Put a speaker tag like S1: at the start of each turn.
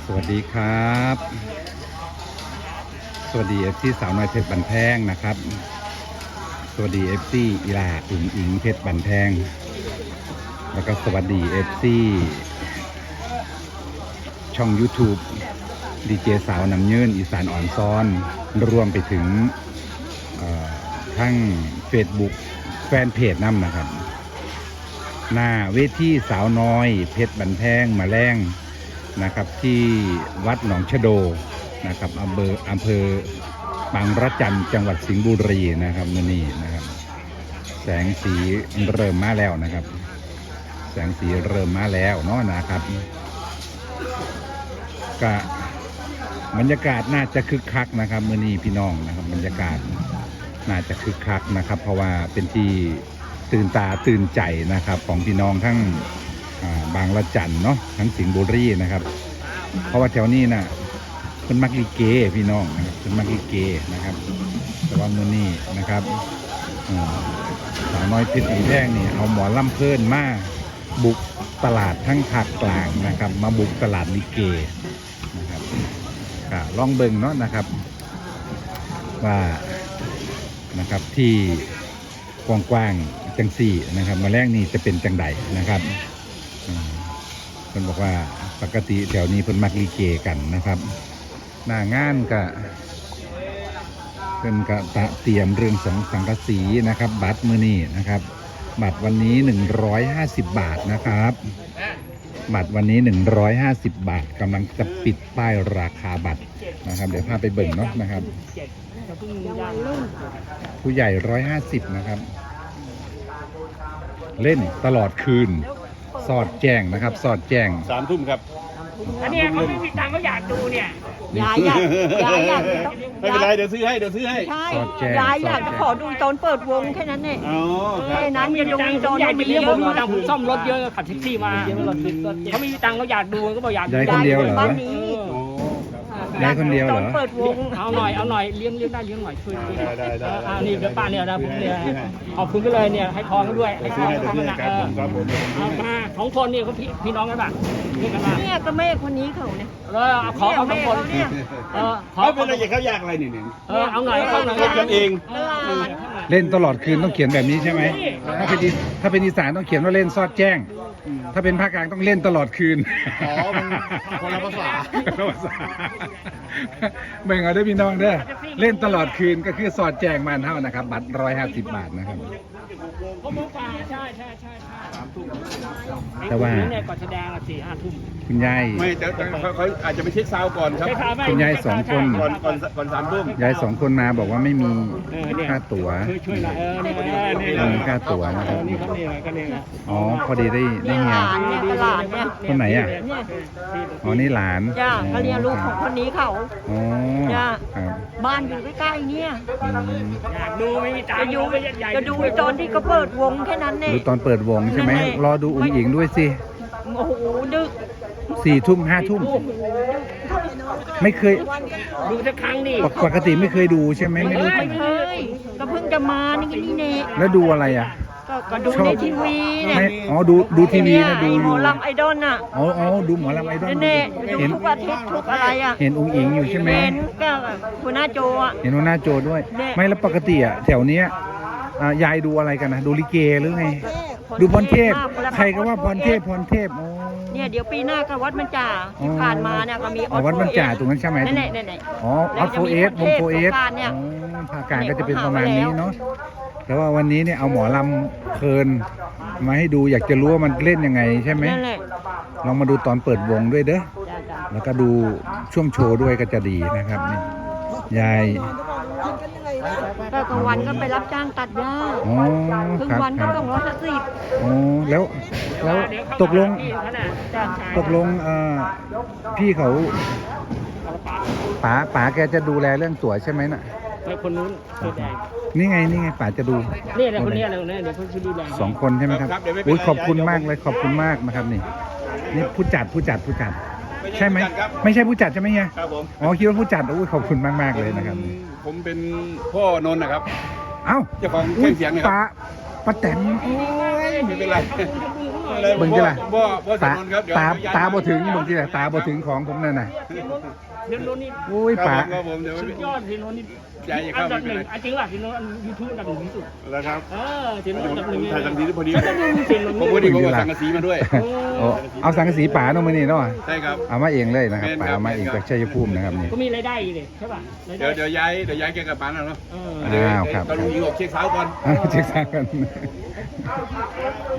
S1: วัสดีครับสวัสดีเอฟซีสาวน้อยเพชรบันแพงนะครับสวัสดีเอฟซีอีลาอุ่นอิงเพชรบันแพงแล้วก็สวัสดีเอฟซีช่อง YouTube ดีเจสาวนำยืนอีสานอ่อนซ้อนรวมไปถึงทั้ง Facebook แฟนเพจน้ำนะครับหน้าเวทีสาวน้อยเพชรบันแพงมาแรงนะครับที่วัดหนองชะโดนะครับอำเภอบางระจันจังหวัดสิงห์บุรีนะครับนี่นะครับแสงสีเริ่มมาแล้วนะครับแสงสีเริ่มมาแล้วเนาะนะครับก็บรรยากาศน่าจะคึกคักนะครับมื้อนี้พี่น้องนะครับบรรยากาศน่าจะคึกคักนะครับเพราะว่าเป็นที่ตื่นตาตื่นใจนะครับของพี่น้องทั้งบางละจันเนาะทั้งสิงห์บุรีนะครับเพราะว่าแถวนี้น่ะเป็นมักลิเกพี่น้องนะครับเป็นมักลิเกนะครับแต่ว่ามื้อนี้นะครับสาวน้อยเพชรบันแพงนี่เอาหมอลำเพลินมาบุกตลาดทั้งภาคกลางนะครับมาบุกตลาดลิเกนะครับลองเบิ่งเนาะนะครับว่านะครับที่กว้างๆจังสี่นะครับมาแรกนี่จะเป็นจังใดนะครับเพิ่นบอกว่าปกติแถวนี้เพิ่นมักลิเกกันนะครับหน้างานก็เพิ่นก็เตรียมเรื่องสังกะสีนะครับบัตรมื้อนี้นะครับบัตรวันนี้150 บาทนะครับบัตรวันนี้150 บาทกำลังจะปิดป้ายราคาบัตรนะครับเดี๋ยวพาไปเบิ่งเนาะนะครับผู้ใหญ่150นะครับเล่นตลอดคืนสอดแจ้งนะครับสอดแจ้ง
S2: 3 ทุ่มครับ
S3: อันนี้เขาไม่มีตังค์เขาอยากดูเนี่ย
S4: ยายอยาก
S2: ไม่เป็นไรเดี๋ยวซื้อให้
S4: ใช่ยายอยากจะขอดูตอนเปิดวงแค่นั้นเนี่ยแค่นั้นจะดูตอน
S3: อยาก
S4: มี
S3: เลี้ยง
S4: เย
S3: ผ
S4: อะ
S3: มมีตังค์ผมซ่อมรถเยอะขับแท็กซี่มาเขาไม่มีตังค์เขาอยากดูก็บอกอยากดู
S1: ยายคนเดียวเหรอ
S4: บ้านนี้
S1: ยายคนเดียวเหรอ
S4: ตอนเปิดวง
S3: เอาหน่อยเลี้ยงได้เลี้ยงหน่อยช่วยนี่เดี๋ยวป้าเนี่ยนะผมเนี่ยขอบคุณก็เลยเนี่ยให้ทองเขาด้วยให้ทองเขาหนักเอามา2 คนนี่เขาพี่น้องกันป่ะเรียกกันมา
S4: เนี่ยก็แม่คนนี้เขาเนี่ย
S3: ขอเอา2 คน
S2: ขอเป็นอะไรเขาอยากอะไรนี่
S3: เอาหน่อย
S2: เล่นกันเอง
S1: เล่นตลอดคืนต้องเขียนแบบนี้ใช่ไหมถ้าเป็นอีสานต้องเขียนว่าเล่นซอดแจ้งถ้าเป็นภาคกลางต้องเล่นตลอดคืน
S2: มันคนละภาษา
S1: เบ่งเอาได้พี่น้องเด้อเล่นตลอดคืนก็คือสอดแจ้งมันเท่านะครับบัตร150 บาทนะครับ
S3: ใช่
S1: แต่ว่า
S3: เนี่ยก่อนแสดง4-5 ทุ่ม
S1: คุณยาย
S2: ไม่แต่เขาอาจจะไปเช็คซาวก่อนครับ
S1: คุณยาย2 คน
S2: ก่อน3 ทุ่ม
S1: ยาย2 คนมาบอกว่าไม่มีค่าตั๋ว
S3: ช่วยหน่อย
S1: ไม่มีค่าตั๋วนะครับ
S3: นี่ก็นี่
S1: อ๋อพอดีได้เฮีย
S4: ตลาดเนี่ย
S1: คนไหนอ่ะอ๋อนี่หลาน
S4: จ้าเขาเรียกลูกของคนนี้เขา
S1: อ๋อ
S4: จ้า
S1: ครับ
S4: บ้านอยู่ใกล้ๆเนี่ย
S3: อยากดูไม่มีตังค์
S4: จะดูตอนที่เขาเปิดวงแค่นั้นเนี่ย
S1: ดูตอนเปิดวงใช่ไหมรอดูอุ้งอิงด้วยสิ
S4: โอ้โหดึก
S1: 4 ทุ่ม 5 ทุ่มไม่เคย
S3: ดูสักครั้งนี่
S1: ปกติไม่เคยดูใช่ไหมไม่รู้
S4: ไม่เคยก็เพิ่งจะมานี่เนี่ย
S1: แล้วดูอะไรอ่ะ
S4: ก็ดูในทีวีเนี่ย
S1: อ๋อดูทีวีนะดู
S4: หมอลำไอดอลน่ะ
S1: อ๋อดูหมอลำไอดอล
S4: เนี่ยดูทุกอาทิตย์ทุกอะไรอ่ะ
S1: เห็นอุ้งอิงอยู่ใช่ไหม
S4: เห็นก็หัวหน้าโจอ่ะ
S1: เห็นหัวหน้าโจด้วยไม่แล้วปกติอ่ะแถวเนี้ยยายดูอะไรกันนะดูลิเกหรือไงดูพรเทพใครก็ว่าพรเทพ
S4: เนี่ยเดี๋ยวปีหน้าก็วัดมันจ่าที่ผ่านมาเนี่ยก็มี
S1: วัดมันจ่าตรงนั้นใช่ไหม
S4: นั่น
S1: อ๋อออสโฟเอสวงโฟเอสภาคกลางก็จะเป็นประมาณนี้เนาะแต่ว่าวันนี้เนี่ยเอาหมอลำเพลินมาให้ดูอยากจะรู้ว่ามันเล่นยังไงใช่ไหมลองมาดูตอนเปิดวงด้วยเด้อแล้วก็ดูช่วงโชว์ด้วยก็จะดีนะครับนี่ยาย
S4: ก็กลางวันก็ไปรับจ้างตัดหญ้าครึ่งวันก็250
S1: อ๋อแล้วตกลงพี่เขาป๋าแกจะดูแลเรื่องตั๋วใช่ไหมน่ะ
S3: คนนู้น
S1: นี่ไงป๋าจะดู
S3: นี่แหละคนนี้อะไรเนี่ยเดี๋ยวเขาจะดูแล
S1: 2 คนใช่ไหมครับอุ้ยขอบคุณมากเลยขอบคุณมากนะครับนี่ผู้จัดใช่ไหมไม่ใช่ผู้จัดใช่ไหมเฮีย
S2: ครับผม
S1: อ๋อคิดว่าผู้จัดอุ้ยขอบคุณมากเลยนะครับ
S2: ผมเป็นพ่อนนท์นะครับ
S1: เอ้า
S2: เจ้าของเครื่องเสียงเนี่ย
S1: ป้าแตน
S2: ไม่เป็นไร
S1: เบิ่งจิล่ะ
S2: บ่ส
S1: ตา
S2: นุนครับเดี๋ยว
S1: ตาบ่ถึงเบิ่งจิล่ะตาบ่ถึงของผมนั่นน่ะ
S3: เทียนโน้นนี่
S1: โอ้ย
S2: ครับ
S1: ป๋า
S2: ครับผมเดี๋ยว
S3: สุดยอดเทียนโน้นนี่
S2: ใจอย่า
S3: อั
S2: เข้าน
S3: ดั
S2: ไม่
S3: บ
S2: เป็นไร
S3: หนึ่งจริงป่ะเทียนโน้นยูทูบอันดับหนึ่งที่สุด
S2: แล้วครับ
S3: เทียนโน้นอันดับหนึ่ง
S2: ถ่ายทางนี้พอดี
S3: เทียนโน้น
S2: ผมพอดีผมเอาสังกะสีมาด้วย
S1: โอ้เอาสังกะสีป๋าเนาะมื้อนี้เนาะ
S2: ใช่ครับ
S1: เอามาเองเลยนะครับ
S2: แม่น
S1: ป๋า
S2: ครับ
S1: เอามาเองจากชัยภูมินะครับนี่
S3: ก็มีรายได้อีกเลยใช่ป่ะรายได้
S2: เดี๋ยวย้ายแกกลับบ้านแล้วเนาะ
S3: เออ
S1: อ้าวครับ
S2: ตอนลุงยิงออกเช็คเช้าก่อน
S1: เช็คซากัน